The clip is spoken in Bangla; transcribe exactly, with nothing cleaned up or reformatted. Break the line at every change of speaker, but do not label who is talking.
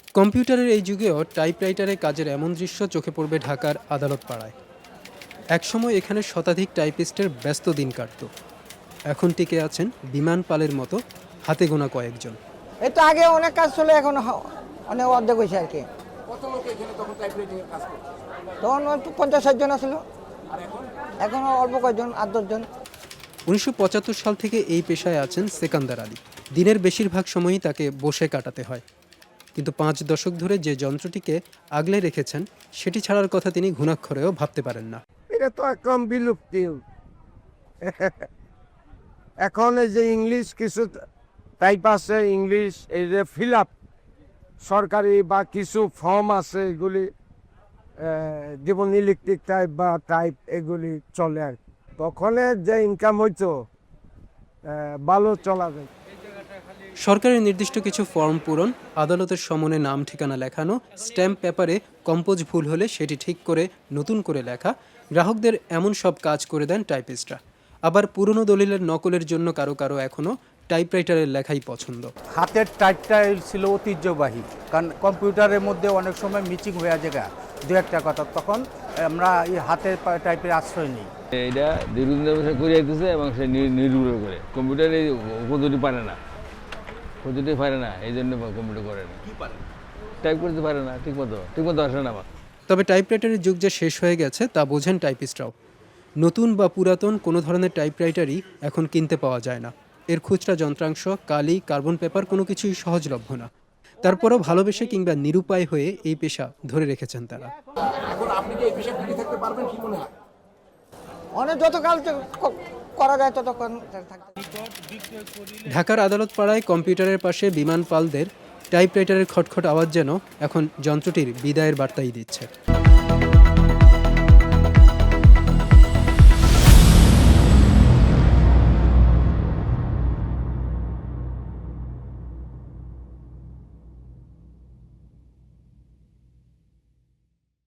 কম্পিউটারের এই যুগেও টাইপরাইটারে কাজের এমন দৃশ্য চোখে পড়বে ঢাকার আদালত পাড়ায়। একসময় এখানে শতাধিক টাইপিস্টের ব্যস্ত দিন কাটত। এখন টিকে আছেন বিমান পালের মতো হাতে গোনা কয়েকজন।
এই তো আগে অনেক কাজ ছিল, এখন হ- অনেক অর্ধেক হয়েছে আর কি।
কত লোক এখানে তখন টাইপরাইটিংয়ের কাজ করছে?
তখন হয়তো পঞ্চাশ ষাট জন ছিল,
আর এখন
এখন অল্প কয়েকজন, আট দশজন।
উনিশশো পঁচাত্তর সাল থেকে এই পেশায় আছেন সেকান্দার আলী। দিনের বেশিরভাগ সময়ই তাকে বসে কাটাতে হয়, কিন্তু পাঁচ দশক ধরে যে যন্ত্রটিকে আগলে রেখেছেন সেটি ছাড়ার কথা তিনি ঘুণাক্ষরেও ভাবতে পারেন না।
এটা তো একদম বিলুপ্তি। এখন এই যে ইংলিশ কিছু টাইপ আছে, ইংলিশ এই যে ফিল আপ সরকারি বা কিছু ফর্ম আছে, এগুলি যেমন ইলেকট্রিক টাইপ বা টাইপ এগুলি চলে আর কি। তখনের যে ইনকাম হইতো আহ, ভালো চলা যায়।
সরকারের নির্দিষ্ট কিছু ফর্ম পূরণ, আদালতের সমনে নাম ঠিকানা লেখানো, স্ট্যাম্প পেপারে কম্পোজ ভুল হলে সেটি ঠিক করে নতুন করে লেখা, গ্রাহকদের এমন সব কাজ করে দেন টাইপিস্টরা। আবার পুরনো দলিলের নকলের জন্য কারো কারো এখনও টাইপরাইটারের লেখাই পছন্দ।
হাতের টাইপটাই ছিল ঐতিহ্যবাহী, কারণ কম্পিউটারের মধ্যে অনেক সময় মিচিং হয়ে যায় দু একটা কথা, তখন আমরা এই হাতের পা- টাইপের আশ্রয় নিই।
এটা দীর্ঘদিন ধরে সে করে যেতেছে এবং সে নি- নির্ভর করে কম্পিউটারে পদ্ধতি পারে না, পদ্ধতি পারে না, এই জন্য কম্পিউটার করে না, টাইপ করতে পারে না ঠিক মতো ঠিক মতো আসে না আমার।
তবে টাইপরাইটারের যুগ যে শেষ হয়ে গেছে তা বোঝেন টাইপিস্টরাও। নতুন বা পুরাতন কোনো ধরনের টাইপরাইটারই এখন কিনতে পাওয়া যায় না। এর খুচরা যন্ত্রাংশ, কালি, কার্বন পেপার কোনো কিছুই সহজলভ্য না। তারপরও ভালোবেসে কিংবা নিরুপায় হয়ে এই পেশা ধরে রেখেছেন তারা।
এখন আপনি কি এই পেশায় টিকে থাকতে পারবেন কি মনে হয়?
অনেক যতকাল চ- ক- করা যায় ততক্ষণ থাকতে।
ঢাকার আদালত পাড়ায় কম্পিউটারের পাশে বিমান পালদের টাইপরাইটারের খটখট আওয়াজ যেন এখন যন্ত্রটির বিদায়ের বার্তাই দিচ্ছে।